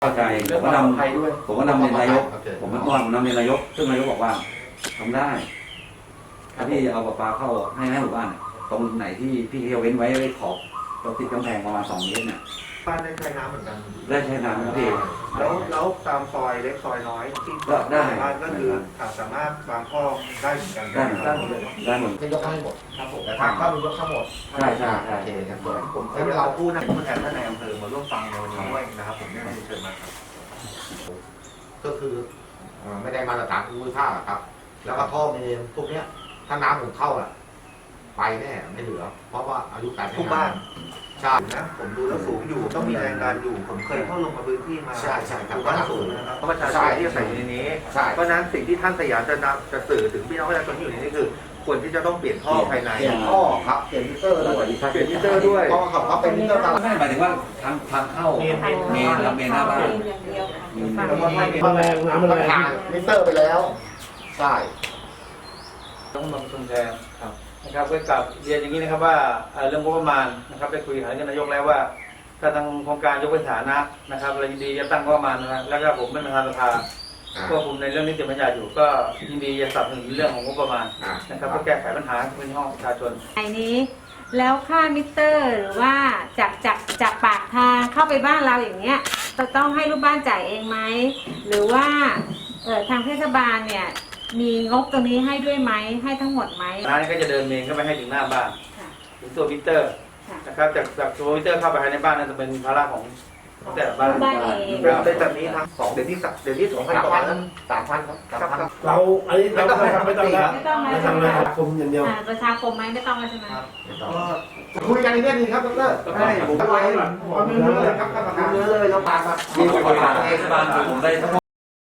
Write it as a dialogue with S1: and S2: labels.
S1: เข้าใจผมก็นำเรียนนายกผมเมื่อก่อนผมนำเรียนนายกซึ่งนายกบอกว่าทำได้ถ้าพี่เอาประปาเข้าให้หมู่บ้านตรงไหนที่พี่เขาเว้นไว้ขอบเราติดกำแพงประมาณ2 เมตรเนี่ย
S2: บ้านได้ใช้น้ำเหมือนกัน
S1: ได้ใช้น้ำพี่
S2: แล้วตามซอยเล็กซอยน้อยที่
S1: ได้
S2: บ้านก็คือสามารถวางท่อได้เหมือนกัน
S1: ได้หมดเลยได้หมด
S3: จะยกให้หมดครับผมแต่ทางเข้ามียกทั้งหมด
S1: ใช่ใช่
S3: โอเคครับ
S2: ผมให้เราพูดนะผมแทนท่านในอำเภอมาร่วมฟังในวันนี้ด้วยนะครับผมได้เชิญมา
S3: ก็คือไม่ได้มาตรฐานภูมิภาคครับแล้วก็ท่อเมนพวกเนี้ยถ้าน้ำผมเข้าอ่ะไปแน่ไม่เหลือเพราะว่าอายุการ
S2: ทุกบ้าน
S3: ใช่
S2: นะผมดูแล้วสูงอยู่ต้องมีแรงดันอยู่ผมเคยเข้าลงมาพื้นที่มา
S3: ใช่ใช่ครับ
S2: บ้านสูงนะครับเพราะประชาชนที่อาศัยอยู่ในนี้เพราะนั้นสิ่งที่ท่านสยามจะสื่อถึงพี่น้องประชาชนที่อยู่ในนี้คือควรที่จะต้องเปลี่ยนท่อภายใน
S3: เปลี่ยนท่อครับเปลี่ยนมิเตอร์ด้วย
S2: เปลี่ยนมิเตอร์ด้วย
S3: เพราะเขาเป็นมิเตอร์ตาม
S1: ไม่หมายถึงว่าทางเข้าเมนหน้าบ้าน
S3: แล้วก็ให้น้ำแรงผ่านมิเตอร์ไปแล้วใช่
S4: ต้องลงทุนแทนนะครับเพื่อกับเรียนอย่างนี้นะครับว่าเรื่องงบประมาณนะครับได้คุยหากับนายกแล้วว่าถ้าทางโครงการยกเว้นฐานะนะครับเรายินดีจะตั้งงบประมาณนะแล้วก็ผมเป็นประธานสภาควบคุมในเรื่องนิติบัญญัติอยู่ก็ยินดีจะสนับสนุนเรื่องของงบประมาณนะครับเพื่อแก้ไขปัญหาพื้นที่ห้องประชาชน
S5: ในนี้แล้วค่ามิเตอร์หรือว่าจากปากทางเข้าไปบ้านเราอย่างเงี้ยเราต้องให้ลูกบ้านจ่ายเองไหมหรือว่าทางเทศบาลเนี่ยมีงบตรงนี้ให้ด้วยไหมให้ทั้งหมดไหม
S4: ร้านก็จะเดินเมนเข้าไปให้ถึงหน้าบ้านถึงตัวมิเตอร์นะครับจากตัวมิเตอร์เข้าไปในบ้านนั่นจะเป็นภาระของแต่ละบ้าน
S2: เป็นแบบนี้ทั้ง2 เดือนที่2,000 กว่า
S3: 3,000ครับ
S6: เราอันนี้เราไม่ต้องแล้ว
S5: ไม่ต้องแล้ว
S6: ทำงานคมอย่างเดียว
S5: ประชาคมไหมไม่ต้องแล้วใช่ไหม
S3: คุยกันในเรื่องนี้ครับดร.
S2: ใช่ผมไป
S3: เนื้อเลยครับท่านประธานเนื้อเลยเราผ่านมา
S1: ที่ประธานเทศบาลผมได้